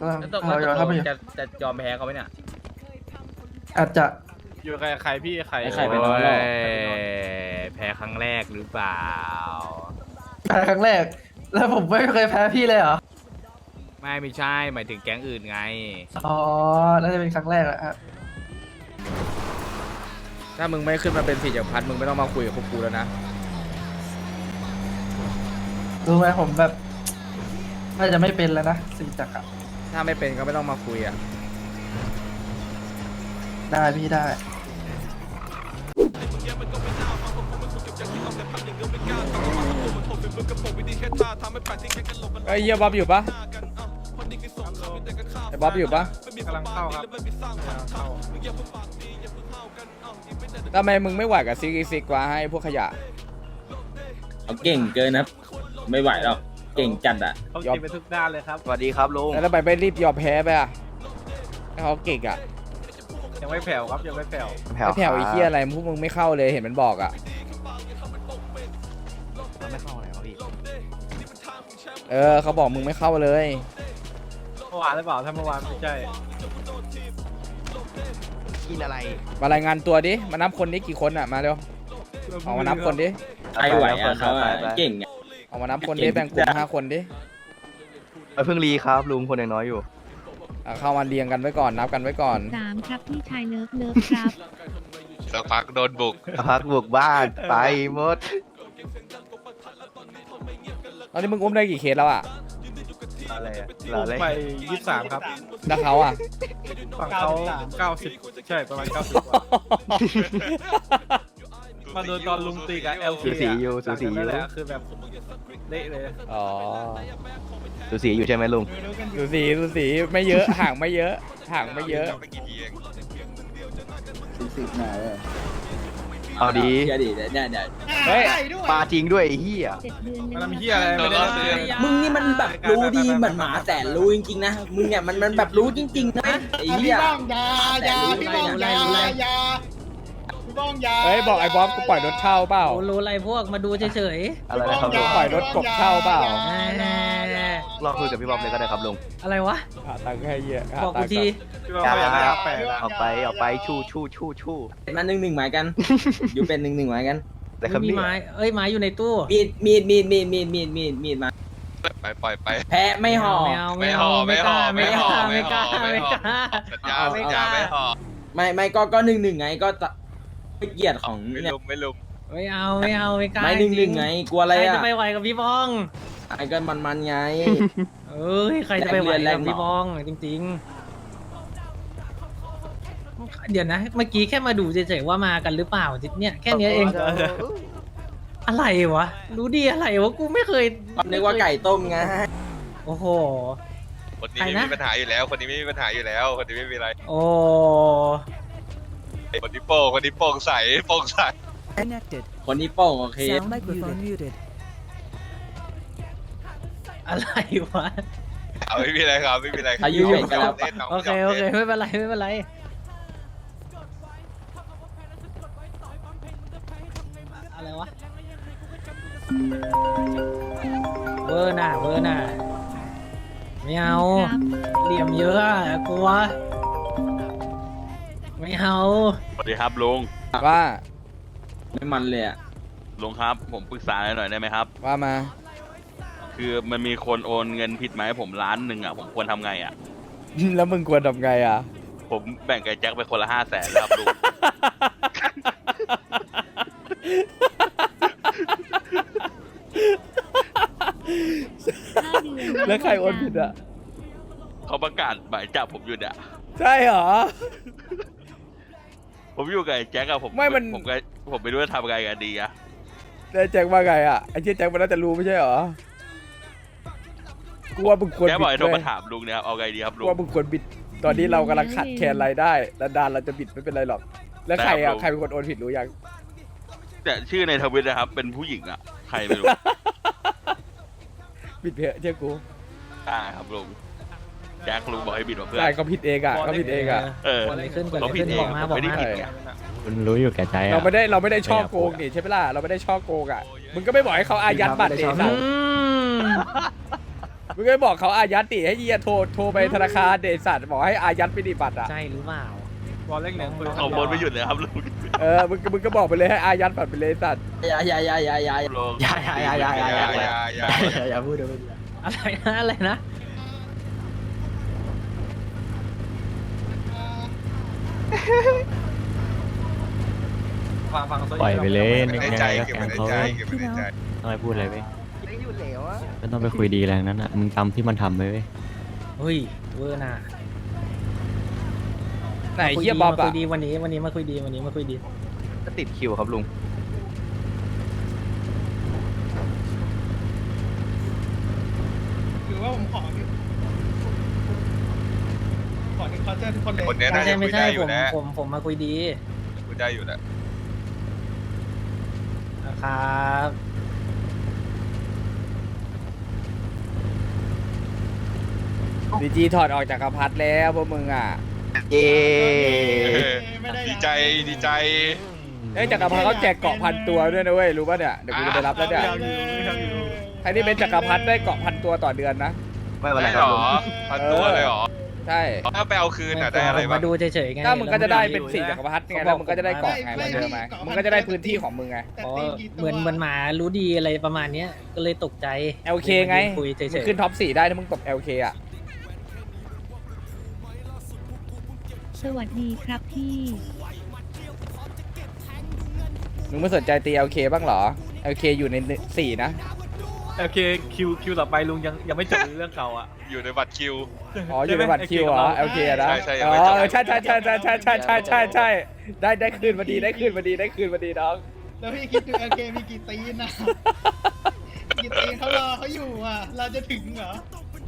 แล้วตกเราลเข้าง ไปอยู่จะยอมแพ้เขาไหมเนี่ยอาจจะอยู่ใครพี่ใครไอ้ไข่ไปนอนหรอแพ้ครั้งแรกหรือเปล่าแพ้ครั้งแรก แล้วผมไม่เคยแพ้พี่เลยเหรอไม่ใช่หมายถึงแก๊งอื่นไงอ๋อ น่าจะเป็นครั้งแรกแหละครับถ้ามึงไม่ขึ้นมาเป็นสี่จักรพรรดิมึงไม่ต้องมาคุยกับพวกกูแล้วนะรู้ไหมผมแบบน่าจะไม่เป็นแล้วนะสี่จักรอะถ้าไม่เป็นก็ไม่ต้องมาคุยอ่ะได้พี่ได้ไอ้เหี้ยบ๊อบอยู่ปะไอ้บ๊อบอยู่ปะกำลังเข้าครับกำลังเข้าทำไมมึงไม่ไหวกับซิกวะให้พวกขยะเขาเก่งเกินนะครับ ไม่ไหวหรอก เก่งจัดอ่ะเขากินไปทุกด้านเลยครับสวัสดีครับลุงแล้วทำไมไม่รีบยอมแพ้ไปอ่ะให้เขาเก่งอ่ะยังไม่แผ่วครับยังไม่แผ่วไม่แผ่วไอ้เหี้ยอะไรพวกมึงไม่เข้าเลยเห็นมันบอกอ่ะไม่เข้าอะไรวะพี่เขาบอกมึงไม่เข้าเลยเมื่อวานหรือเปล่าถ้าเมื่อวานไม่ใช่กินอะไรมารายงานตัวดิ มานับคนดิกี่คนอ่ะ มาเร็วออกมานับคนดิใครไหวอ่ะเขาอ่ะเก่งอ่ะออกมานับคนดิแบ่งกลุ่ม5 คนดิเพิ่งรีครับลุงคนยังน้อยอยู่เข้ามาเรียงกันไว้ก่อนนับกันไว้ก่อน 3 ครับพี่ชายเลิฟครับสักพักโดนบุกพักบุกบ้านไปหมดตอนนี้มึงอุ้มได้กี่เคสแล้วอ่ะอะไรอะลงอะไรไป23ครับแล้วเขาอ่ะฝั่งเขา90ใช่ประมาณ90กว่ามาโดนตอนลุงตีกับ LK สูสีอยู่สูสีอนั่ยู่นแหละคือแบบเละเลยอ๋อสูสีอยู่ใช่ไหมลุงดูสีไม่เยอะ ห่างไม่เยอะห่างไม่เยอะไม่กี่ทีเองเอาดีเชื่อดิเนี่ยเฮ้ยปลาจริงด้วยไอ้เหี้ย 7 เดือนมันทำเหี้ยอะไรไม่ได้เลยมึงนี่มันแบบรู้ดีเหมือนหมาแต่รู้จริงๆนะ มึงเนี่ยมันแบบรู้จริงๆนะไอ้เหี้ยพี่บ้องยาพี่บ้องยาเฮ้ยบอกไอ้บ๊อบกูปล่อยรถเช่าเปล่ารู้อะไรพวกมาดูเฉยอะไรนะครับลุงปล่อยรถกบเช่าเปล่าๆลองคุยกับพี่บอมเลยก็ได้ครับลุงอะไรวะหาตังค์ให้เยอะหาบอกตักูงค์ทีพี่ว่าเขาอยากได้แปลกอะออกไปชู่มา1-1หมายกัน อยู่เป็น1-1หมายกันแต่ครับมีเนี่ยไม้เอ้ยไม้อยู่ในตู้มีดมาไปปล่อยไปแพ้ไม่ห่อไม่เอาไม่เอาไม่ห่อไม่กล้าไม่ไม่ห่อกล้าสัญญาสัญญาไม่ห่อไม่ก็1-1ไงก็ไม่เกียรติของไม่เนี่ยลุมไม่ลุมไม่เอาไม่กล้าไม่1-1ไงกลัวอะไรใครอ่ะจะไปไหวกับพี่บ้องไอ้ก็มันไงเอ้ยใครจะไปไหวแรกับงเรียนพี่บ้องจริงๆเดี๋ยวนะ เมื่อกี้แค่มาดูเฉยๆว่ามากันหรือเปล่าเนี่ยแค่เนี้ยเอง อะไรวะ รู้ดีอะไรวะ กูไม่เคยนึกว่าไก่ต้มไงโอ้โหคนนี้ใครไม่นะมีปัญหาอยู่แล้ว คนนี้ไม่มีปัญหาอยู่แล้ว คนนี้ไม่มีอะไรโอ้คนนี้โป่งใสโป่งใสคนนี้โป้งโอเคอะไรวะเอาไม่มีอะไรครับไม่มีอะไรครับอายุเยอะกันแล้วเล่นน้องโอเค โอเค ไม่เป็นไร ไม่เป็นไร อะไรวะ เวอร์น่ะไม่เอาครับเหลี่ยมเยอะอะกลัว ไม่เอาสวัสดีครับลุงว่าไม่มันเลยอ่ะลุงครับผมปรึกษาหน่อยได้ไหมครับว่ามาคือมันมีคนโอนเงินผิดมาให้ผม1,000,000อ่ะผมควรทำไงอ่ะแล้วมึงควรทำไงอ่ะผมแบ่งกับแจ็คไปคนละ500,000แล้วครับลุง 5 เดือนแล้วใครโอนผิดอ่ะเขาประกาศหมายจับผมอยู่เนี่ยใช่เหรอผมอยู่กับไอ้แจ็คอะผมไม่มันผมไม่รู้จะทำไงกันดีอะแล้วแจ็คว่าไงอ่ะไอ้เจ๊แจ็คมันน่าจะรู้ไม่ใช่เหรอ กูว่ามึงควรแจ็คบิบอกดให้โทรเลมาย ถามลุงเนี่ยครับเอาไงดีครับลุกูงว่ามึงควรบิด ตอนนี้เรากำลังขัดแคลนรายได้ดานๆเราจะบิดไม่เป็นไรหรอก แล้วใครได้ครัอ่ะบใครเป็นคนโอนผิดรู้ยังแต่ชื่อในทวิตนะครับเป็นผู้หญิงอะใครไม่รู้บิดเพอะเชื่อกูได้ครับลุงแจ็คลุงบอกให้บิดมาเพื่อนใช่ก็ผิดเองอ่ะก็ผิดเองอ่ะเออเกิดอะไรขึ้นเขาผิดเองบอกมาผมไม่ได้บอกมาผิดไงคุณรู้อยู่แก่ใจเราไม่ได้ช่อโกงนี่ใช่ไหมล่ะเราไม่ได้ช่อโกงอ่ะมึงก็ไม่บอกให้เขาอายัดบัตรเดอืซ่ะมมึงก็บอกเขาอายัดดิให้เฮียโทรไปธนาคารเดชสัตว์บอกให้อายัดไปดิบัตรอ่ะใช่หรือเปล่าบอลเล็กหนึ่งคนเอาบนไม่หยุดเลยครับลุงมึงก็บอกไปเลยให้อายัดบัตรไปเลยสัตว์อย่าลุงอย่าพูดเดี๋ยวพูดอะไรนะอะไรนะฟังโซปล่อยไปเลยเก็บยังไว้ในใจไงก็เก็บแกไว้งในเขาใจเก็บไว้ในใจต้องไปพูดอะไรเว้ยไม่ต้องไปคุยดีอะไรทั้งนั้นอ่ะมึงจำที่มันทำไปเว้ยเฮ้ยเวอร์น่ะไหนเฮียบ๊อบมาคุอ่ะยดีวันนี้มาคุยดีวันนี้มาคุยดีก็ติดคิวครับลุงคือว่าผมขอหนึ่งคอนเสิร์ตทุกคนเลยคนเนี้ยไม่น่าใช่จะคุไม่ยใช่ได้อผยู่มแล้วผมมาคุยดีคุยได้อยู่แล้วนะครับดีจีถอดออกจากกระพัดแล้วพวกมึงอ่ะเย้ดีใจดีใจจักรพรรดิเขาแจกเกาะพันตัวด้วยนะเว้ยรู้ป่ะเนี่ยเดี๋ยวกูจะไปรับแล้วเนี่ยใครที่เป็นจักรพรรดิได้เกาะพันตัวต่อเดือนนะไม่เป็นไรได้คหรัรบอลุงพันตัวเลยเหรอใช่ถ้าไปเอาคืนอ่ะได้อะไรผมบ้างมาดูเฉยๆไงถ้ามึงก็จะได้เป็น4จักรพรรดิไงแล้วมึงก็จะได้เกาะไงเหมือนเดิมไหมมึงก็จะได้พื้นที่ของมึงไงอ๋อเหมือนหมารู้ดีอะไรประมาณเนี้ยก็เลยตกใจ LK ไงคุยเฉมึงยขึ้นท็อป4ได้ถ้ามึงตบ LK อ่ะสวัสดีครับพี่มึงไม่สนใจตี LK บ้างเหรอ LK อยู่ใน4นะโอเคคิวต่อไปลุงยังไม่จบเรื่องเก่าอ่ะอยู่ในบัตรคิวอ๋ออยู่ในบัตรคิวเหรอ LK อะนะใช่อ๋ใช่อใช่ได้คืนมาดีน้องแล้วพี่คิดดูโอเคมีกี่ตีนนะกี่ตีนเขารอเขาอยู่อ่ะเราจะถึงเหรอ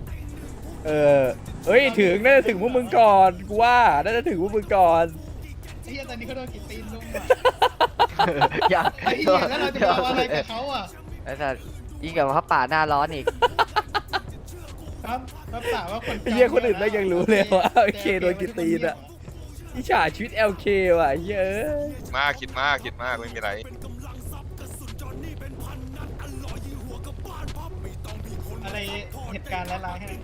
เอ้ยถึงน่าจะถึงพวกมึงก่อนกูว่าน่าจะถึงพวกมึงก่อนไอ้เหี้ยตอนนี้เขาโดนกี่ตีนลุงอ่ะอยากไอ้เหี้ยแล้วเราจะไปเอาอะไรกับเขาอ่ะไอ้สัสยิ่งกับพระป่าหน้าร้อนอีกครับรับสาวว่าคนไอ้เหี้ยคนอื่นไม่ยังรู้เลยว่า LK โดนกี่ตีนอะอิจฉาชีวิต LK ว่ะเหี้ยอะมากคิดมากไม่มีไรอะไรเหตุการณ์ร้ายๆให้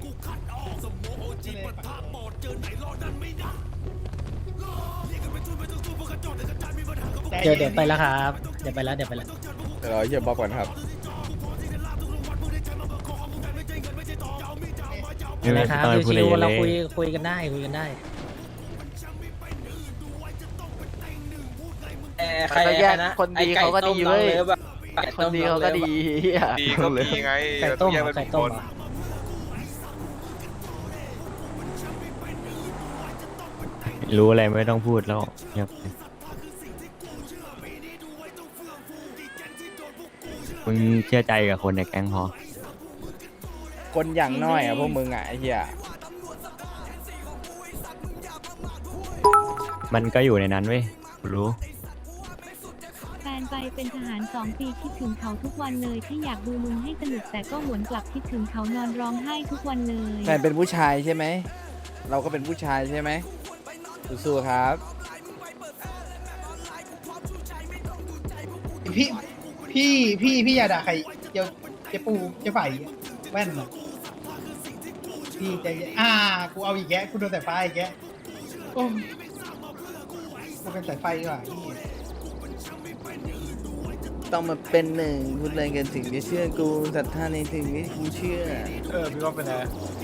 ๆเดี๋ยวไปแล้วครับเดี๋ยวไปแล้วเดี๋ยวรอเฮียบ๊อบก่อนครับเห็นไหมครับต้องไปพูดอะไรชิวเยอะๆเราเลยคุยกันได้ใครนะคนดีเขาก็ดีเว้ยคนดีเขาก็ดีดีก็มีไงไก่ต้มเราเหรต้อองแยกไก่เป็นต้คมนเหรอรู้อะไรไม่ต้องพูดแล้วเงียบไปมึงเชื่อใจกับคนในแก๊งพอคนอย่างน้อยอะพวกมึงอะไอ้เหี้ยมันก็อยู่ในนั้นเว้ยรู้แฟนไปเป็นทหาร2 ปีคิดถึงเขาทุกวันเลยที่อยากดูลุงให้สนุกแต่ก็หวนกลับคิดถึงเขานอนร้องไห้ทุกวันเลยแฟนเป็นผู้ชายใช่ไหมเราก็เป็นผู้ชายใช่ไหมสู้ๆครับพี่อย่าด่าใครเจ้าปูเจ้าไฝ่แว่นเหรอพี่ใจเย็นกูเอาอีกแกกูโดนสายไฟอีกแกโอ้กูเป็นสายไฟดีกว่าพี่ต้องมาเป็นหนึ่งพูดอะไรกันถึงจะเชื่อกูศรัทธาในถึงที่กูเชื่อพี่ว่าเป็นไง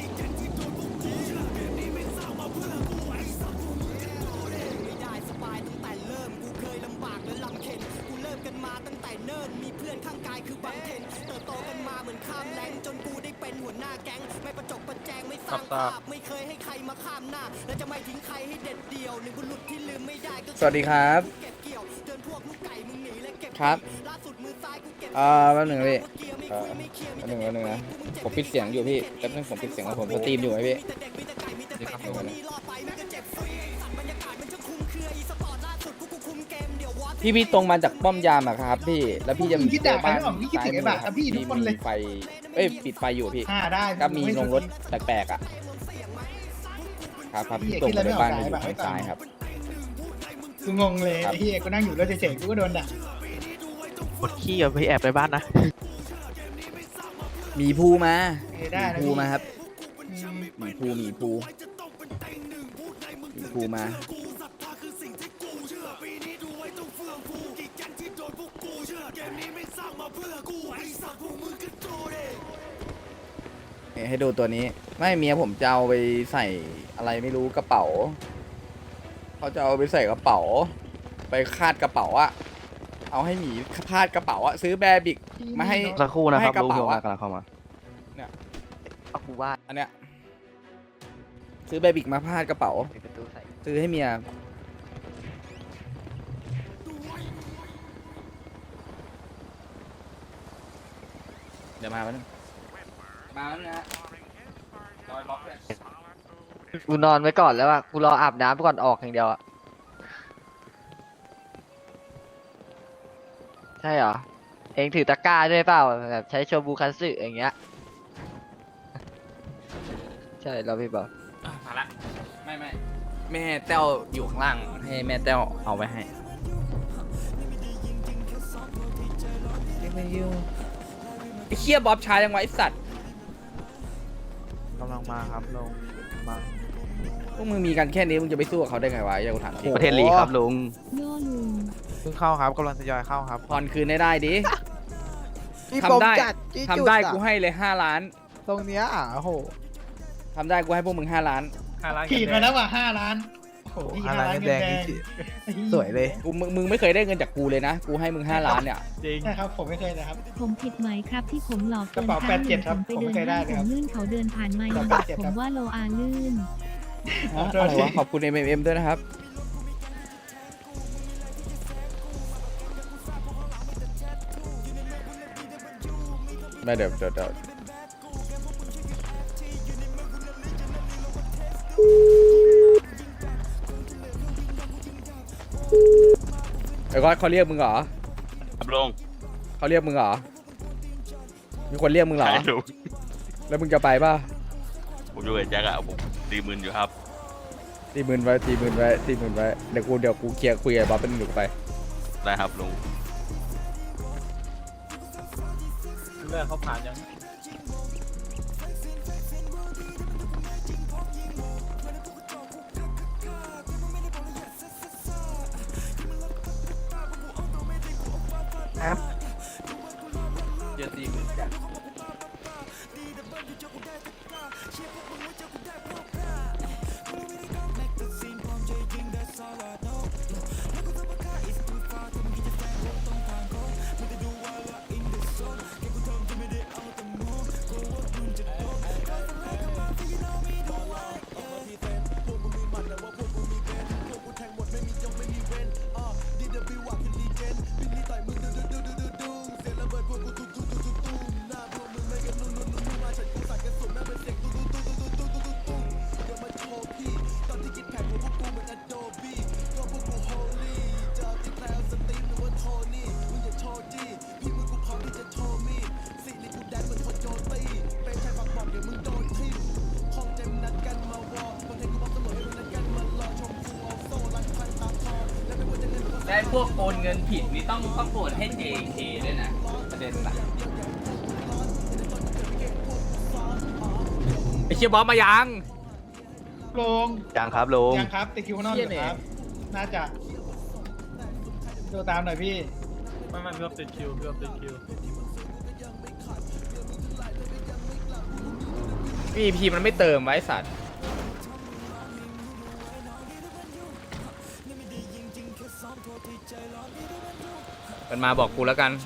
ครับทราบสวัสดีครับครับแป๊บหนึ่งนะพี่แป๊บหนึ่งนะผมปิดเสียงอยู่พี่แป๊บนึงผมปิดเสียงของผมสตรีมอยู่ไหมพี่พี่ตรงมาจากป้อมยามอะครับพี่แล้วพี่จะคิดด่าใครไม่ออกพี่คิดถึงไอ้บาทครับพี่ทุกคนเลยมีไฟปิดไฟอยู่พี่ได้ก็มีลงรถแปลกๆอ่ะครับพี่ตรงมาจากบ้านอยู่ทางซ้ายครับกูงงเลยไอ้เหี้ยกูนั่งอยู่แล้วเฉยๆกูก็โดนด่ากดขี้อย่าไปแอบในบ้านนะหมีภูมาได้หมีนะภูพี่มาครับอืมหมีภูหมีภูหมีภูมาเนี่ยให้ดูตัวนี้ไม่เมียผมจะเอาไปใส่อะไรไม่รู้กระเป๋าเขาจะเอาไปใส่กระเป๋า ไปคาดกระเป๋าอะเอาให้หมีคาดกระเป๋าอะซื้อแบร์บิกมาให้สักครู่นะครับให้กระลุงเป๋าโยอะมากำลังเข้ามาเนี่ยเอากูว่าอันเนี้ยซื้อแบร์บิกมาพาดกระเป๋าปิดประตูใส่ซื้อให้เมียเดี๋ยวมาแป๊บนึงมาแล้วนะรอยล็อกเลยกูนอนไว้ก่อนแล้วอ่ะกูรออาบน้ำก่อนออกอย่างเดียวอ่ะใช่เหรอเองถือตะกร้าด้วยเปล่าแบบใช้โชบูคันสึอย่างเงี้ยใช่แล้วพี่บอกมาละไม่แม่แต้วอยู่ข้างล่างให้แม่แต้วเอาไว้ให้ไอ้เคียบ๊อบช้ายังไงไอ้สัตว์กำลังมาครับลุงมาพวกมึงมีกันแค่นี้มึงจะไปสู้กับเขาได้ไงวะอย่ากูถามจริงประเทศลีครับลุงโย่ลุงเพิ่งเข้าครับกำลังทยอยเข้าครับผ่อนคืนได้ดิทำได้ทำได้กูให้เลย5 ล้านตรงเนี้ยโอ้โหทำได้กูให้พวกมึง5 ล้านขีดมาแล้วว่ะ5 ล้านโอ้โห5 ล้านเงินแดงสวยเลยมึงไม่เคยได้เงินจากกูเลยนะกูให้มึง5 ล้านเนี่ยจริงใช่ครับผมไม่เคยนะครับผมผิดไหมครับที่ผมหลอกกระเป๋ากินข้ว 87ครับผมไปเดินผมเคยได้ห้างเลยครับผมลื่นเขาเดินผ่านไม้กระมาเป๋าบอก 87 ผครัมบว่าโลอาลื่นอะไรวะขอบคุณ MMM ด้วยนะครับไม่เดี๋ยวไอ้ก้อยเขาเรียกมึงเหรอครับลุงเขาเรียกมึงเหรอมีคนเรียกมึงเหรอใช่ลุงแล้วมึงจะไปป่ะผมอยู่กับแจ็คอะผม40,000อยู่ครับ 40,000ไว้เดี๋ยวกูเคลียร์คุยกับบ๊อบเป็นหนุกไปได้ครับลุงเลือกเขาผ่านยังได้พวกโอนเงินผิดนี่ต้องโอนให้ JK ด้วยนะประเด็นหลักไอ้เชียบ๊อบมายังลงยังครับลุงยังครับติดคิวข้างนอกอยู่ครับ น่าจะดูตามหน่อยพี่ไม่พี่ติดคิวพี่ติดคิว VIP มันไม่เติมไว้สัตว์ มันมาบอกกูแล้วกัน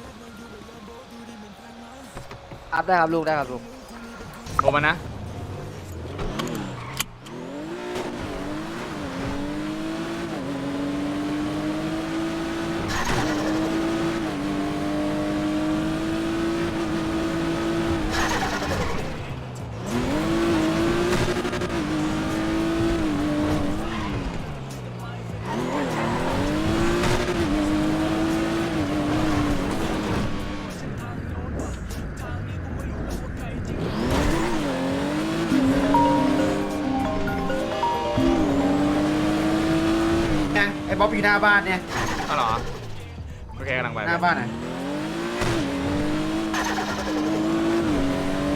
อัพได้ครับลุงได้ครับลุงโทรมานะไอ้บ๊อบอยู่หน้าบ้านเนี่ยเอาเหรอ โอเคกำลังไปหน้าบ้านไหน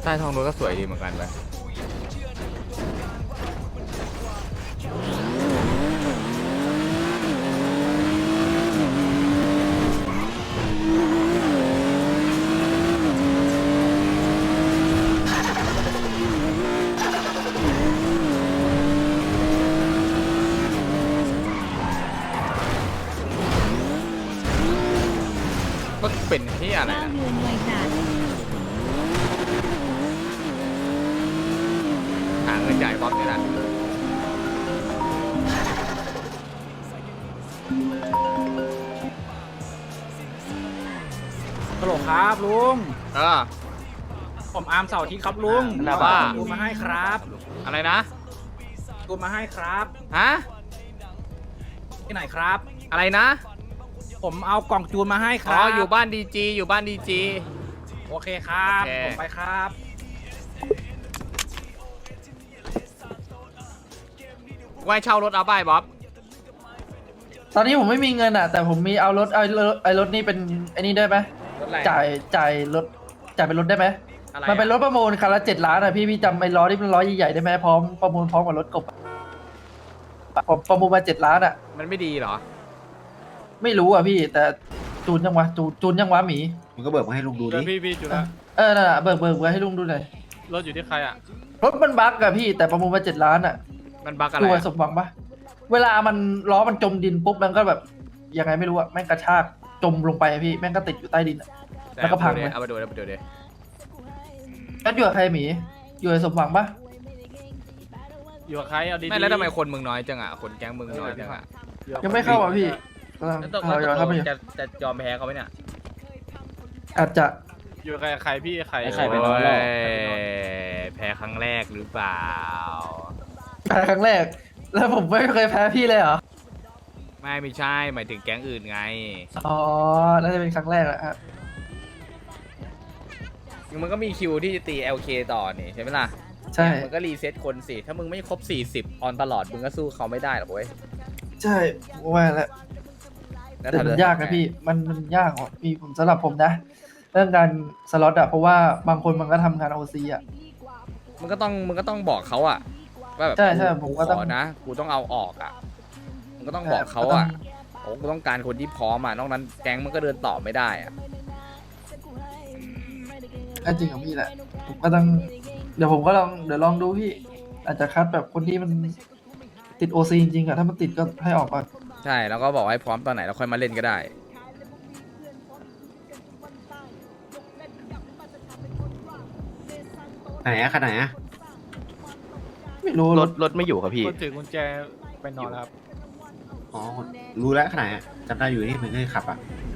ต้ท้องรถก็สวยดีเหมือนกันเลย ก็เป็นที่อะไร 9 นะเดือนวัยจัดหาเงินจ่ายบ๊อบนี่แหละฮัลโหลครับลุงอ่าผมอาร์มเสาร์อาที่ครับลุงแล้วว่าดูมาให้ครับอะไรนะดูมาให้ครับฮะที่ไหนครับอะไรนะผมเอากล่องจูนมาให้คอ๋รัอบ อยู่บ้านดีจีอยู่บ้านดีจีโอเคครับโอเคผมไปครับไว้เช่ารถเอาไปบ๊อบตอนนี้ผมไม่มีเงินอ่ะ แต่ผมมีเอารถรถนี่เป็นไอ้นี่ได้ไหมรถอะไรจ่ายรถจ่ายเป็นรถได้ไหมอะไรมันเป็นรถประมูลคันละ7 ล้านอ่ะพี่จำไอ้ล้อที่เป็นล้อใหญ่ๆได้ไหมพร้อมประมูลพร้อมกับรถกบผมประมูลมา7 ล้านอ่ะมันไม่ดีเหรอไม่รู้อ่ะพี่ แต่จูนยังวะจูนยังวะหมีมึงก็เบิกมาให้ลุงดูดิพี่จุฬานั่นแหละเบิกไว้ให้ลุงดูหน่อยรถอยู่ที่ใครอ่ะรถมันบั๊กอะพี่แต่ประมูลมา7 ล้านอะมันบั๊กอะไรดูอะสมหวังปะเวลามันล้อมันจมดินปุ๊บมันก็แบบยังไงไม่รู้อะแม่งกระชากจมลงไปอะพี่แม่งก็ติดอยู่ใต้ดินอะ แล้วก็พังเลยเอาไปดูเอาไปดูดิแล้วอยู่กับใครหมีอยู่กับสมหวังปะอยู่กับใครเอาดีๆไม่แล้วทำไมคนมึงน้อยจังอ่ะ คนแก๊งมึงน้อยจังอ่ะยังไม่เข้าอ่ะพี่กำลังแล้วตกรอเข้าไปอยู่จะยอมแพ้เขาไหมเนี่ยอาจจะอยู่กับใครพี่ใครไอ้ใครไปนอนแล้วโอ้ยแพ้ครั้งแรกหรือเปล่าแพ้ครั้งแรก แล้วผมไม่เคยแพ้พี่เลยเหรอไม่ใช่ หมายถึงแก๊งอื่นไงอ๋อน่าจะเป็นครั้งแรกแหละครับมึงก็มีคิวที่จะตี LK ต่อนี่ใช่ไหมล่ะใช่มึงก็รีเซ็ตคนสิ ถ้ามึงไม่ครบ 40 ออนตลอด มึงก็สู้เขาไม่ได้หรอกเว้ยใช่ผมว่าแล้วแล้วแต่มันทำยากนะพี่มันยากอ่ะพี่ผมสำหรับผมนะ เรื่องการสล็อตอะเพราะว่าบางคนมันก็ทำงานโอซีอะมึงก็ต้องบอกเขาอะว่าแบบใช่ผมก็ต้องขอนะ กูต้องเอาออกอะมึงก็ต้องบอกเขาอะโอ้กูต้องการคนที่พร้อมอะนอกนั้นแก๊งมันก็เดินต่อไม่ได้อะก็จริงของพี่แหละผมก็ต้องเดี๋ยวผมก็เดี๋ยวลองดูพี่ อาจจะคัดแบบคนที่มันติดโอซีจริงๆอะถ้ามันติดก็ให้ออกก่อนใช่แล้วก็บอกให้พร้อมตอนไหนแล้วค่อยมาเล่นก็ได้ไหนอะขนาดไหนอะไม่รู้รถไม่อยู่ครับพี่คนถือกุญแจไปนอนแล้วครับอ๋อ รู้แล้วขนาดไหนอะจำได้อยู่ที่มึงเคยขับอะ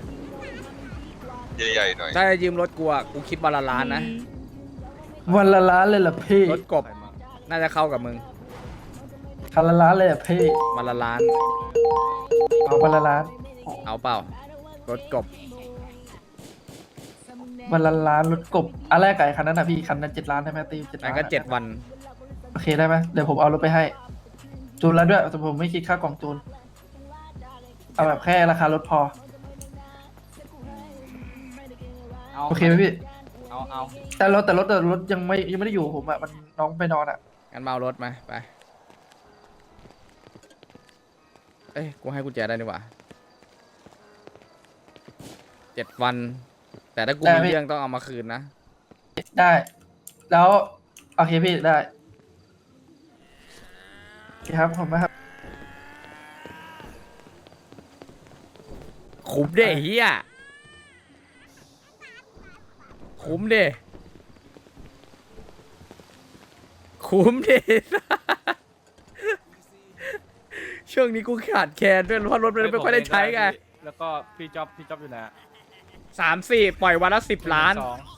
ใหญ่ๆหน่อยถ้าจะยืมรถกูอะกูคิดวันละล้านนะวันละล้านเลยเหรอพี่รถกบน่าจะเข้ากับมึงคันละล้านเลยเหรอพี่วันละล้านเอาวันละล้านเอาเปล่ารถกบวันละล้านรถกบอันแรกไก่คันนั้นนะพี่คันนั้น7 ล้านได้ไหมตี7 นั่ล้าน นก็7 วันโอเคได้ไหมเดี๋ยวผมเอารถไปให้ จูนแล้วด้วยแต่ผมไม่คิดค่ากล่องจูนเอาแบบแค่ราคารถพอโอเคไหมพี่เอาแต่รถยังไม่ได้อยู่ผมอะมันน้องไปนอนอะงั้นมาเอารถมาไป เอ้ยกูให้กุญแจได้ดีกว่า7 วัน แต่ถ้ากูมีเรื่องต้องเอามาคืนนะได้ แล้วโอเคพี่ได้โอเคครับผมนะครับคุ้มเด้เฮียคุ้มเด้คุ้มเด้ ช่วงนี้กูขาดแคลนด้วยเพราะรถมันไม่ค่อยได้ใช้ไงแล้วก็พี่จ๊อบอยู่ไหน 3-4 ปล่อยวันละ10 ล้าน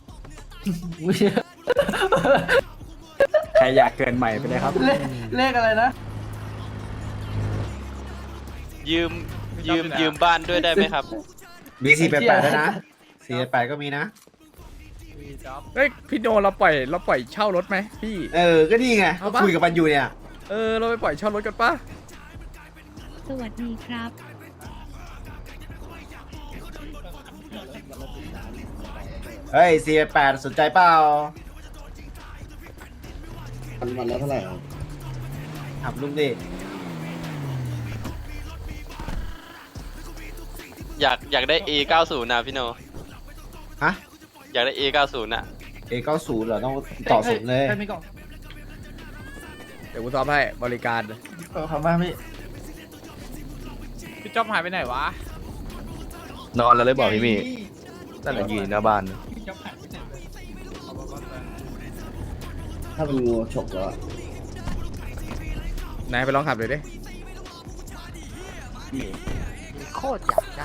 ใครอยากเกินใหม่ไปเลยครับเลขอะไรนะยืมบ้านด้วยได้ไหมครับมี488ด้วยนะ488ก็มีนะเฮ้ยพี่โนเราปล่อยเช่ารถไหมพี่ก็นี่ไงเอาก็ปะคุยกับมันอยู่เนี่ยเราไปปล่อยเช่ารถกันปะสวัสดีครับเฮ้ย488สนใจเปล่าวันละเท่าไหร่ถามลุงดิอยากได้ A90 นะพี่โนฮะอยากได้ A90 น่ะ A90 เหรอต้องต่อสูงเลยใครมีกล่องเดี๋ยวกูซ้อมให้บริการขอบคุณมากพี่พี่จ๊อบหายไปไหนวะนอนแล้วเลยบอกพี่มี่แต่ละยืนหน้าบ้านพี่จ๊อบหายไปไหนเลยถ้าเป็นงูฉกแล้วนายไปลองขับเลยดิโคตรอยากได้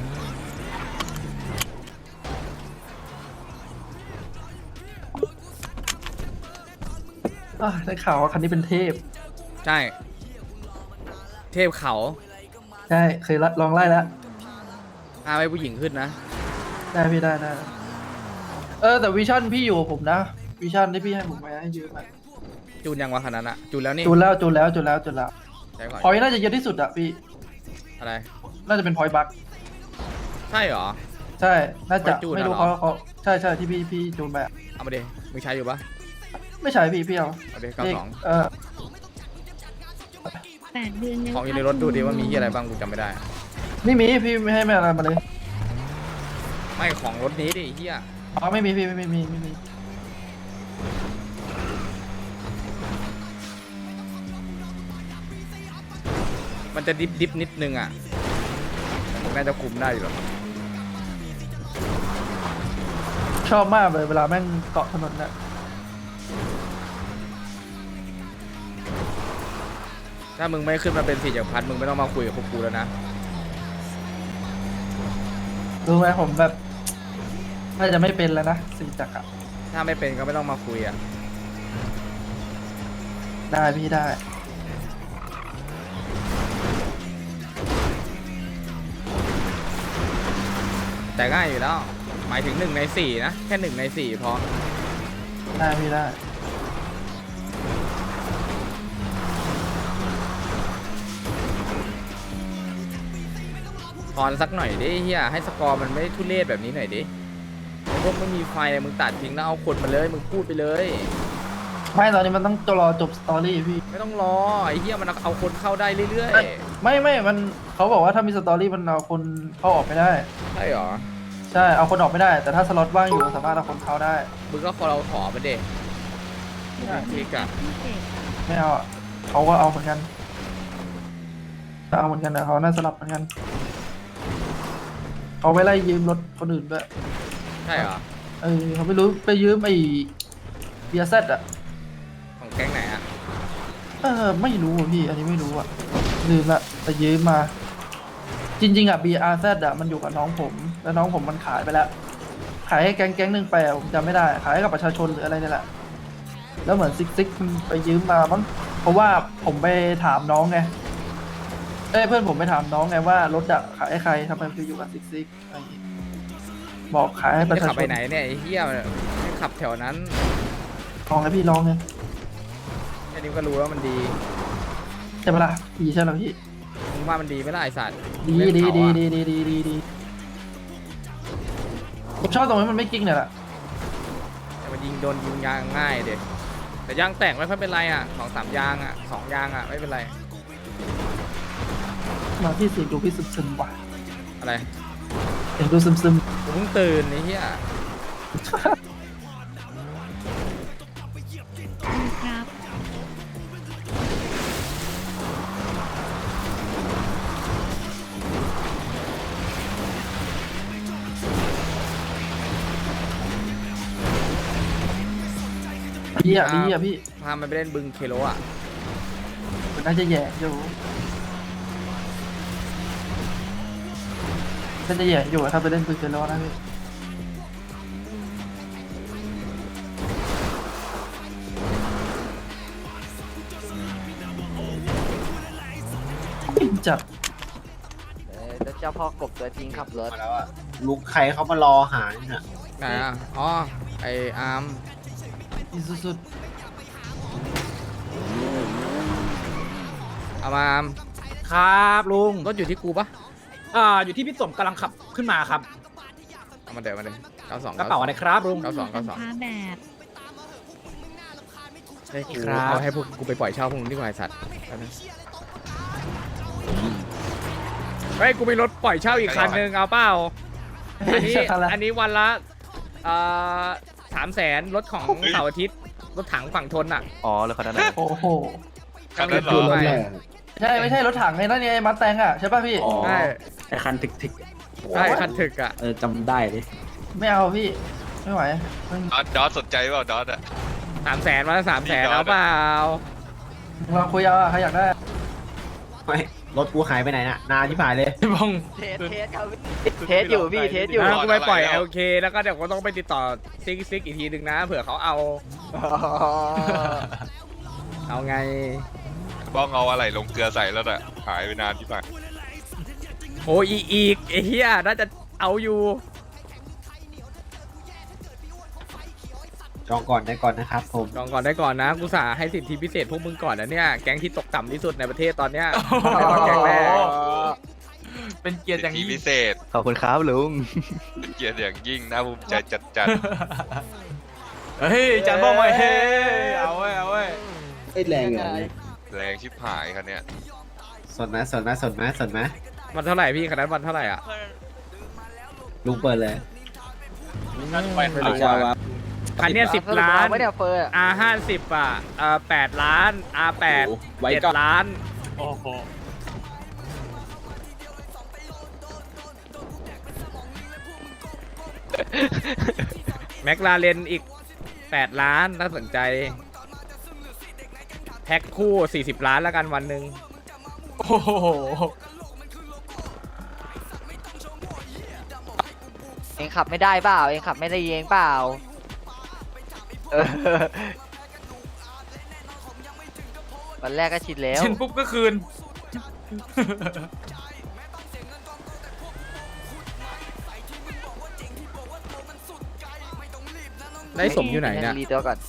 ได้ข่าวว่าคันนี้เป็นเทพใช่ เทพเขาใช่เคยลองไล่แล้วพาไปผู้หญิงขึ้นนะได้พี่ได้แต่วิชั่นพี่อยู่กับผมนะวิชั่นที่พี่ให้ผมไปให้ยืมอะจูนยังวะคันนั้นอะจูนแล้วนี่จูนแล้วใช่ก่อนพอยต์น่าจะเยอะที่สุดอะพี่อะไรน่าจะเป็นพอยต์บัคใช่เหรอใช่น่าจะพอยต์จูนไม่รู้อะเหรอเขาใช่ที่พี่จูนไปอะเอามาดิมึงใช้อยู่ปะไม่ใช่พี่เอาเอาดิเลข 92 8 เดือนแล้วของอยู่ในรถดูดิว่ามีที่อะไรบ้างกูจำไม่ได้ไม่มีพี่ไม่ให้อะไรมาเลยไม่ของรถนี้ดิเฮียอ๋อไม่มีพี่ไม่มีมันจะดิบนิดนึงอะแต่มึงน่าจะคุมได้อยู่หรอกชอบมากเลยเวลาแม่งเกาะถนนน่ะถ้ามึงไม่ขึ้นมาเป็น4 จักรพรรดิมึงไม่ต้องมาคุยกับพวกกูแล้วนะรู้ไหมผมแบบน่าจะไม่เป็นแล้วนะสี่จักรอะถ้าไม่เป็นก็ไม่ต้องมาคุยอะได้พี่ได้แต่ง่ายอยู่แล้ว หมายถึง1 ใน 4นะแค่1 ใน 4พอได้พี่ได้พรสักหน่อยดิเฮียให้สกอร์มันไม่ทุเรศแบบนี้หน่อยดิไอ้พวกไม่มีไฟมึงตัดทิ้งแล้วเอาคนมาเลยมึงพูดไปเลยไม่ตอนนี้มันต้องรอจบสตอรี่พี่ไม่ต้องรอไอ้เฮียมันเอาคนเข้าได้เรื่อยไม่มันเขาบอกว่าถ้ามีสตอรี่มันเอาคนเข้าออกไม่ได้ๆใช่เหรอใช่เอาคนออกไม่ได้ แต่ถ้าสล็อตว่างอยู่สามารถเอาคนเข้าได้มึงก็เราขอมาเด็กมึงคลิกอะพิเศษไม่เอาอะเขาก็เอาเหมือนกันเอาเหมือนกันนะเขาน่าสลับเหมือนกันเขาไปไล่ยืมรถคนอื่นด้วยใช่เหรอเขาไม่รู้ไปยืมไอ้เบียร์เซตอะของแก๊งไหนอะไม่รู้อะพี่ อันนี้ไม่รู้อะลืมละแต่ยืมมา จริงๆอะ BRZ อะมันอยู่กับน้องผม แล้วน้องผมมันขายไปแล้ว ขายให้แก๊งหนึ่งไปอะผมจำไม่ได้ ขายให้กับประชาชนหรืออะไรนี่แหละ แล้วเหมือนซิกมันไปยืมมามั้งเพราะว่าผมไปถามน้องไงเพื่อนผมไปถามน้องไงว่ารถอะขายให้ใครทำไมไปอยู่กับซิกอะไรอย่างงี้บอกขายให้ประจะชาขับชไปนไหนเนี่ยไอ้เฮียไม่ขับแถวนั้นลองให้พี่ลองไงแค่นี้ก็รู้ว่ามันดีใช่ปะล่ะดีใช่ไหมพี่มึงว่ามันดีไหมล่ะไอสัตว์ดีเล่นดีเขาดีอะดีดีดีดีดีผมชอบตรงนี้มันไม่กิ้งเนี่ยแหละแต่มันยิงโดนยิงยางง่ายเด็กแต่ยางแตกไม่ค่อยเป็นไรอะ2-3 ยางอะ2 ยางอะไม่เป็นไรมาพี่เสียงดูพี่ซึมๆว่ะอะไรเสียงดูซึมกูเพิ่งตื่นไอ้เหี้ยดีครับๆดีอ่ะพี่พามันไปเล่นบึงเคโลอะมันน่าจะแย่อยู่น่าจะแย่อยู่อะถ้าไปเล่นปืนเจโร่นะพี่ปิ้งจัดแล้วเจ้าพ่อกบตัวจริงขับรถมาแล้วอะลุงใครเขามารอหาเนี่ยไหนอะอ๋อไออาร์มอีสุดเอามาอาร์มครับลุงรถอยู่ที่กูปะอยู่ที่พี่สมกำลังขับขึ้นมาครับเอามาเดี๋ยว92 กระเป๋าอะไรครับลุง 92 สินค้าแบบให้กูเอาให้พวกกูไปปล่อยเช่าพวกมึงดีกว่าไอ้สัตว์เอานะเฮ้ยกูมีรถปล่อยเช่าอีกคันนึงเอาเปล่าอันนี้วันละ300,000รถของเสาร์อาทิตย์รถถังฝั่งทนอ่ะอ๋อแล้วเขาได้โอ้โหคันนั้นเหรอไม่ไม่ใช่รถถังไงนั่นไงมัดแตงอ่ะใช่ป่ะพี่ใช่ไอคันถึกใช่คันถึกอ่ะจำได้ดิไม่เอาพี่ไม่ไหวมันดอสสนใจเปล่าดอสอะ 300,000วันละ300,000เอาเปล่าลองคุยเอาอะใครอยากได้ไม่รถกูหายไปไหนน่ะ นานที่ผ่านเลยบ้องเทสอยู่พี่เทสอยู่กูไปปล่อย LK แล้วก็เดี๋ยวก็ต้องไปติดต่อซิกอีกทีนึงนะเผื่อเขาเอา เอาไงบ้องเอาอะไรลงเกลือใส่แล้วน่ะหายไปนานที่ผ่านโอ้อีกไอ้เหี้ยน่าจะเอาอยู่จองก่อนได้ก่อนนะครับผมลองก่อนได้ก่อนนะกูสาให้สิทธิพิเศษพวกมึงก่อนนะเนี่ยแก๊งที่ตกต่ำที่สุดในประเทศตอนเนี้ยแก๊งแรกเป็นเกียรติอย่างที่ยิ่งพิเศษขอบคุณครับลุงเป็นเกียรติอย่างยิ่งน่าภูมิใจจัดเฮ้ยจันบ้องมาเฮ้เอาเว้ยเอาเว้ยแรงเหรอแรงชิบหายคันเนี้ยสนไหมสนไหมสนไหมสนไหมวันเท่าไหร่พี่คันนั้นวันเท่าไหร่อ่ะลุงเปิดเลยไม่รู้ว่าคันเนี้ย10 ล้าน R50 อ่ะ8 ล้าน R8 7 ล้านแม็กลาเรนอีก8 ล้านน่าสนใจแพ็คคู่40 ล้านแล้วกันวันหนึ่งโอ้โหเองขับไม่ได้เปล่าเองขับไม่ได้เองเปล่าวันแรกก็ชินแล้วชินปุ๊บก็คืนได้สมอยู่ไหนเนี่ยรีตัวก่อน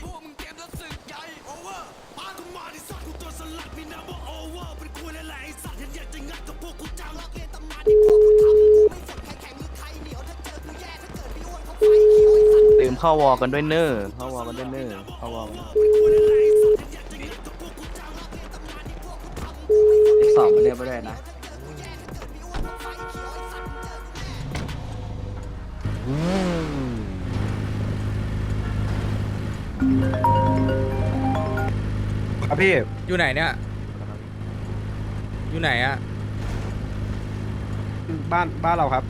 ลืมเข้าวอกันด้วยเนอร์เข้าวอกันด้วยเนอร์เข้าวอกันสอบมาเรียบร้อยนะครับพี่อยู่ไหนเนี่ย อยู่ไหนอะบ้านเราครับ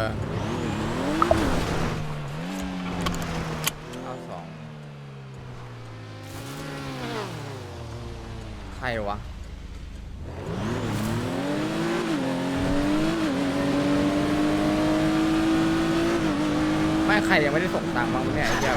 เอา2ใครวะ ไม่ใครยังไม่ได้ส่งตังค์บ้างวะเนี่ยไอ้เหี้ย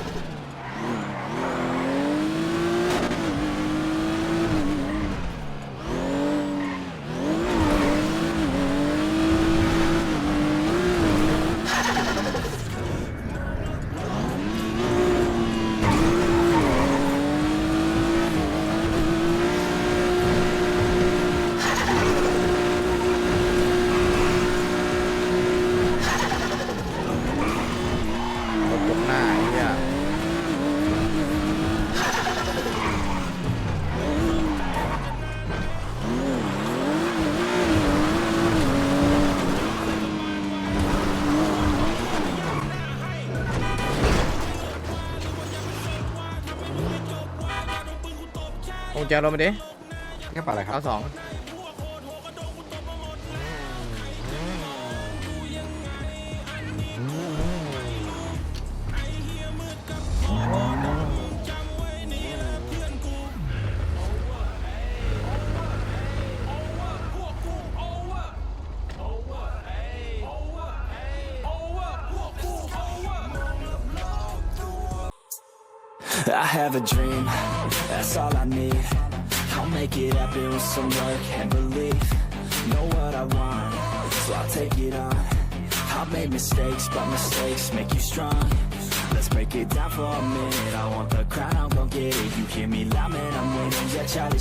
รถยกหน้าไอ้เหี้ยคงจะรถมาดิแค่ปะอะไรครับเอา2 I have a dream, that's all I need. I'll make it happen with some work and belief. Know what I want, so I'll take it on. I've made mistakes, but mistakes make you strong. Let's break it down for a minute. I want the crown, I'm gon' get it. You hear me loud, man, I'm winning. Yeah, Charlie